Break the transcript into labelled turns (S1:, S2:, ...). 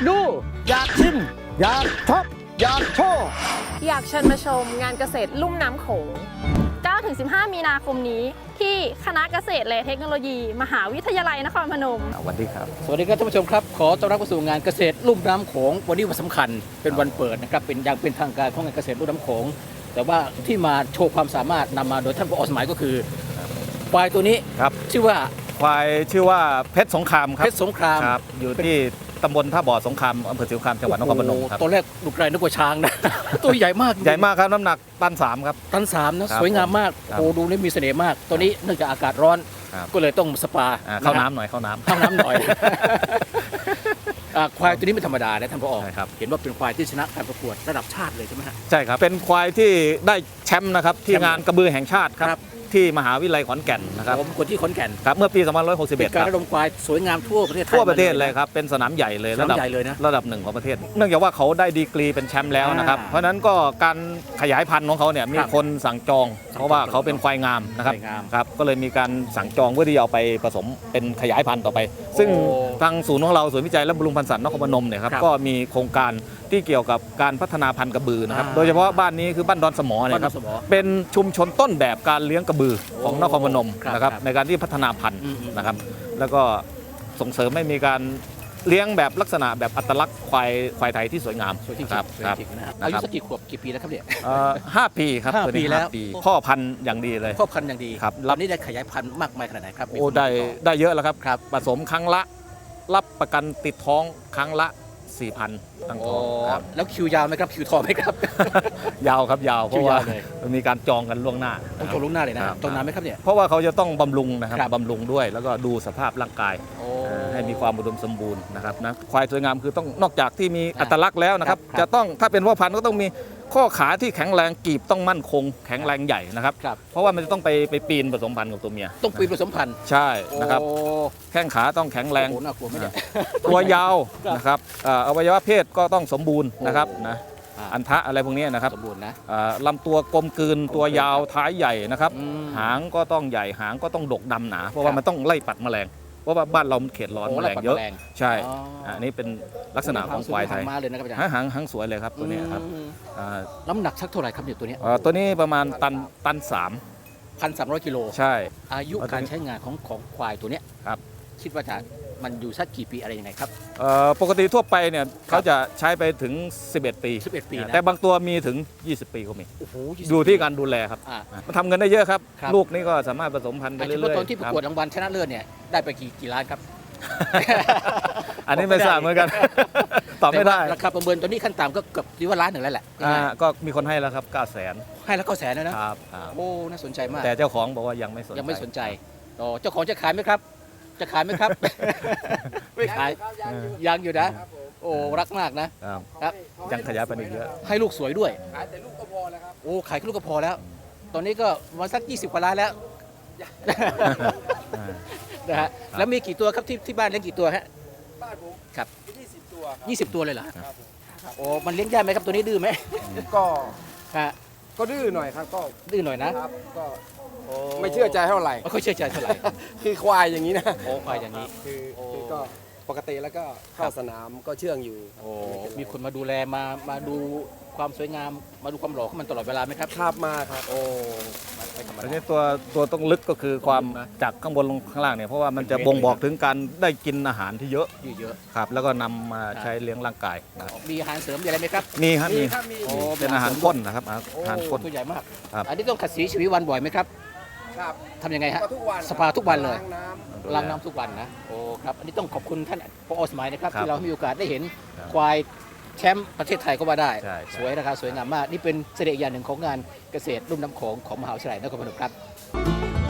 S1: ดูอยากชิมอยากช็อปอยากโชว์
S2: อยากเชิญมาชมงานเกษตรลุ่มน้ำโขง 9-15 มีนาคมนี้ที่คณะเกษตรและเทคโนโลยี มหาวิทยาลัยนครพนม
S1: สวัสดีครับ
S3: สวัสดีครับท่านผู้ชมครับขอต้อนรับเข้าสู่งานเกษตรลุ่มน้ำโขงวันนี้วันสำคัญเป็นวันเปิดนะครับเป็นอย่างเป็นทางการของงานเกษตรลุ่มน้ำโขงแต่ว่าที่มาโชว์ความสามารถนำมาโดยท่านผอ.สมัยก็คือควายตัวนี้
S1: ครับ
S3: ชื่อว่า
S1: ควายชื่อว่าเพชรสงครามครับ
S3: เพชรสงคราม
S1: ครับอยู่ที่ตำบลท่าบ่อสงครามอำเภอศรีสงครามจังหวัดนครพนมครับ
S3: ตัวแรกดูไกลนึกว่าช้างนะ ตัวใหญ่มาก
S1: ใหญ่มากครับน้ำหนักตัน 3ครับ
S3: ตันสามนะครับ สวยงามมาก
S1: ครับ
S3: โอ้ดูนี่มีเสน่ห์มาก ตัวนี้เนื่องจากอากาศร้อน
S1: ครับ
S3: ก็เลยต้องสปา
S1: เข้าน้ำหน่อยเข้าน้ำ
S3: เข้าน้ำหน่อย ควายตัวนี้ไม่ธรรมดานะท่านผอ.
S1: ใช่ครับ
S3: เห็นว่าเป็นควายที่ชนะการประกวดระดับชาติเลยใช่ไหมฮะ
S1: ใช่ครับเป็นควายที่ได้แชมป์นะครับที่
S3: แชมป์
S1: งานกระบือแห่งชาติค
S3: ครั
S1: รับบ ที่มหาวิทยาลัยขอนแก่นนะครับ
S3: ผมคนที่ขอนแก่น
S1: ครับเมื่อปี
S3: เป็น
S1: 2561
S3: การ
S1: ครับ
S3: ระดมควายสวยงามทั่วประเทศไทย
S1: ทั่วประเทศ
S3: มา
S1: เลยครับเป็นสนามใหญ่เลย
S3: สนามใหญ่เลยนะ
S1: ระดับหนึ่งของประเทศ เนื่องจากว่าเขาได้ดีกรีเป็นแชมป์แล้วนะครับ
S3: อ่า
S1: เพราะฉะนั้นก็การขยายพันธุ์ของเขาเนี่ยมี
S3: ครับ
S1: คนสั่งจอง เพราะว่าเขาเป็นควายงามนะครับ
S3: ควายงาม
S1: ครับก็เลยมีการสั่งจองเพื่อที่จะเอาไปผสมเป็นขยายพันธุ์ต่อไป ซึ่ง
S3: โอ้
S1: ทางศูนย์ของเราศูนย์วิจัยและบำรุงพันธุ์สัตว์นครพนมเนี่ยครับ
S3: ครับ
S1: ก็มีโครงการที่เกี่ยวกับการพัฒนาพันธุ์กระบือนะครับ
S3: อ่า
S1: โดยเฉพาะบ้านนี้คือบ้านดอนสมอเนี่ยครับ
S3: บ้านดอนสมอ
S1: เป็นชุมชนต้นแบบการเลี้ยงกระบือของนครพนม
S3: ครับ
S1: นะครับ
S3: ครับ
S1: ในการที่พัฒนาพันธุ์
S3: อืม
S1: นะครับ แล้วก็ส่งเสริมให้มีการเลี้ยงแบบลักษณะแบบอัตลักษณ์ควายไทยที่สวยงาม
S3: สวยจริง
S1: ครับ
S3: ๆสวย
S1: ครับ
S3: จริงๆนะฮะ
S1: นะ
S3: อายุ
S1: ครับ
S3: สักกี่ขวบกี่ปีแล้วครับเนี่ย
S1: 5 ปีครับ
S3: ห้า
S1: ตัวนี้
S3: ปีแล้ว
S1: 5 ปีพ่อพันธุ์อย่างดีเลย
S3: พ่อพันธุ์อย่างดี
S1: ครับ
S3: ตอนนี้ได้ขยายพันธุ์มากมายขนาดไหนครับมี
S1: โอ้
S3: คน
S1: ได้
S3: ติต่อ
S1: ได้เยอะแล้วครับ
S3: ครับ
S1: ผสมครั้งละรับประกันติดท้องครั้งละ 4,000 ตั้ง
S3: โอ้
S1: ท้องครับ
S3: แล้วคิวยาวไหมครับคิวทองไหมครับ
S1: ยาวครับยาวเพราะว่า
S3: คิวยาวเลย
S1: มันมีการจองกันล่วงหน้า
S3: ต้อง
S1: นะ
S3: โชว์ลุงหน้าเลยนะครับ จองนานไหมครับเนี่ย
S1: เพราะว่าเขาจะต้องบำรุงนะครับ
S3: ครับ
S1: บำรุงด้วย แล้วก็ดูสภาพร่างกาย
S3: โอ้
S1: ให้มีความอุดมสมบูรณ์นะครับนะควายสวยงามคือต้องนอกจากที่มี
S3: อ่า
S1: อัตลักษณ์แล้วนะครับ
S3: ครับ
S1: จะต้องถ้าเป็นพ่อพันธุ์ก็ต้องมีข้อขาที่แข็งแรงกีบต้องมั่นคง แข็งแรงใหญ่นะครับ
S3: ครับ
S1: เพราะว่ามันจะต้องไปปีนผสมพันธุ์กับตัวเมีย
S3: ต้องปีนผสมพันธุ์
S1: ใช่นะครับ
S3: โอ้
S1: แข้งขาต้องแข็งแรง
S3: โอ้โหน่ากลัวไหมเนี่ย
S1: ตัวยาว
S3: ครับ
S1: นะครับอวัยวะเพศก็ต้องสมบูรณ์นะครับ
S3: โอ้
S1: นะ
S3: อ่า
S1: อันทะอะไรพวกนี้นะครับ
S3: สมบูรณ์นะ
S1: ลำตัวกลมกลืนตัวยาวท้ายใหญ่นะครับ
S3: อืม
S1: หางก็ต้องใหญ่หางก็ต้องดกดำหนา เพราะ
S3: ค
S1: ว่า
S3: รับ
S1: มันต้องไล่ปัดแมลง เพราะว่าบ้านเรามันเขตร้อน
S3: โอ้
S1: แมลง
S3: ไล่ปัด
S1: เยอะ
S3: แมลง
S1: ใช่
S3: อ๋ออั
S1: อันนี้เป็นลักษณะของควายไทย
S3: หงมาเลยนะครับอาจารย์
S1: หางสวยเลยครับตัวเนี้ยครับ
S3: อืม
S1: อ่า
S3: น้ำหนักสักเท่าไหร่ครับเนี่ยตัวเนี้ย
S1: ตัวนี้ประมาณตันสาม
S3: 1,300 กิโล
S1: ใช่
S3: อายุการใช้งานของควายตัวเนี้ย
S1: ครับ
S3: คิดว่าจะมันอยู่สักกี่ปีอะไรยังไงครับ
S1: ปกติทั่วไปเนี่ยเขาจะใช้ไปถึง 11 ปี
S3: 11 ปีนะ
S1: แต่บางตัวมีถึง 20 ปีก็มี
S3: โอ้โห20
S1: ดูที่การดูแลครับ
S3: อ่า
S1: มันทำเงินได้เยอะครับ
S3: ครับ
S1: ลูกนี่ก็สามารถผสมพันธุ์ไป
S3: อา
S1: เรื่
S3: ชีพ
S1: อยๆ
S3: ตอนที่ประกวดรางวัลชนะเลิศเนี่ยได้ไปกี่ล้านครับ
S1: อันนี้ไม่ทราบเหมือนกัน ตอบไม่ได้
S3: แต่ว่าราคาประเมินตัวนี้ขั้นต่ำก็เกือบที่ว่าล้านหนึ่งแล้วแหละ
S1: ก็มีคนให้แล้วครับ900,000
S3: ให้แล้วก็แสนแล้วนะ
S1: ครับ
S3: โอ้น่าสนใจมาก
S1: แต่เจ้าของบอกว่ายังไม่สนใจ
S3: ยังไม่สนใจอ๋อเจ้าของจะขายไหมครับ จะขายไหมครับ ไม่ขายยังอยู่นะ โอ้รักมากนะครับ ครับ
S1: ยังขยายไปอีกเยอะ
S3: ให้ลูกสวยด้วยขายแต่ลูกก็พอแล้วครับโอ้ขายแค่ลูกก็พอแล้ว ตอนนี้ก็มาสัก20 กว่าล้านแล้ว นะฮะแล้วมีกี่ตัวครับที่บ้านเลี้ยงกี่ตัวฮะ
S4: บ้านผม
S3: ครับ
S4: 20 ตัว
S3: 20 ตัวเลยเหรอ
S4: ครับผม
S3: โอ้มันเลี้ยงได้ไหมครับตัวนี้ดื้อไหม
S4: ก็
S3: ฮะ
S4: ก็ดื้อหน่อยครับก็
S3: ดื้อหน่อยนะครับ
S4: ก็
S3: โอ้
S4: ไม่เชื่อใจเท่าไหร่
S3: ไม่ค่อยเชื่อใจเท่าไหร่
S4: คือควายอย่างนี้นะ
S3: โอ้ควายอย่างนี้
S4: คือก็ปกติแล้วก็เข้าสนามก็เชื่องอยู่
S3: โอ้มีคนมาดูแลมาดูความสวยงามมาดูความหล่อของมันตลอดเวลาไหมครับ
S4: คาบมาครับ
S3: โอ้ไม่ธรรม
S1: อัน
S3: ดา
S1: นี้ตัวต้องลึกก็คือความ
S3: นะ
S1: จากข้างบนลงข้างล่างเนี่ยเพราะว่ามันจะ
S3: เป็นเม็ด
S1: บ่งบอก
S3: เลย
S1: ถึงการได้กินอาหารที่เยอะ
S3: เยอะ
S1: ครับ แล้วก็นำมา
S3: ครับ
S1: ใช้เลี้ยงร่างกายนะครับ
S3: ๆมีอาหารเสริมมีอะไรไหมครับ
S1: มีครับมี
S4: ครับมี
S3: โอ้
S1: เป็นอาหารข้นนะครับอา
S3: โอ้
S1: หารข้น
S3: ตัวใหญ่มาก
S1: ครับ
S3: อันนี้ต้องขัดสีชีวิตวันบ่อยไหมครับ
S4: ครับ
S3: ทำยังไงฮะ
S4: ก็ทุกวัน
S3: สปาทุกวันเลย
S4: ล้างน้
S3: ล้างน้ำทุกวันนะโอ้ครับอันนี้ต้องขอบคุณท่านผอ.สมัยนะครับ
S1: ครับ
S3: ที่เราให้มีโอกาสได้เห็น
S1: ครับ
S3: ควายแชมป์ประเทศไทยก็ว่าได้
S1: ใช่
S3: สวยนะครับสวยงามมากนี่เป็นเสน่ห์อย่างหนึ่งของงานเกษตรลุ่มน้ำโขงของมหาวิทยาลัยนครพนมครับ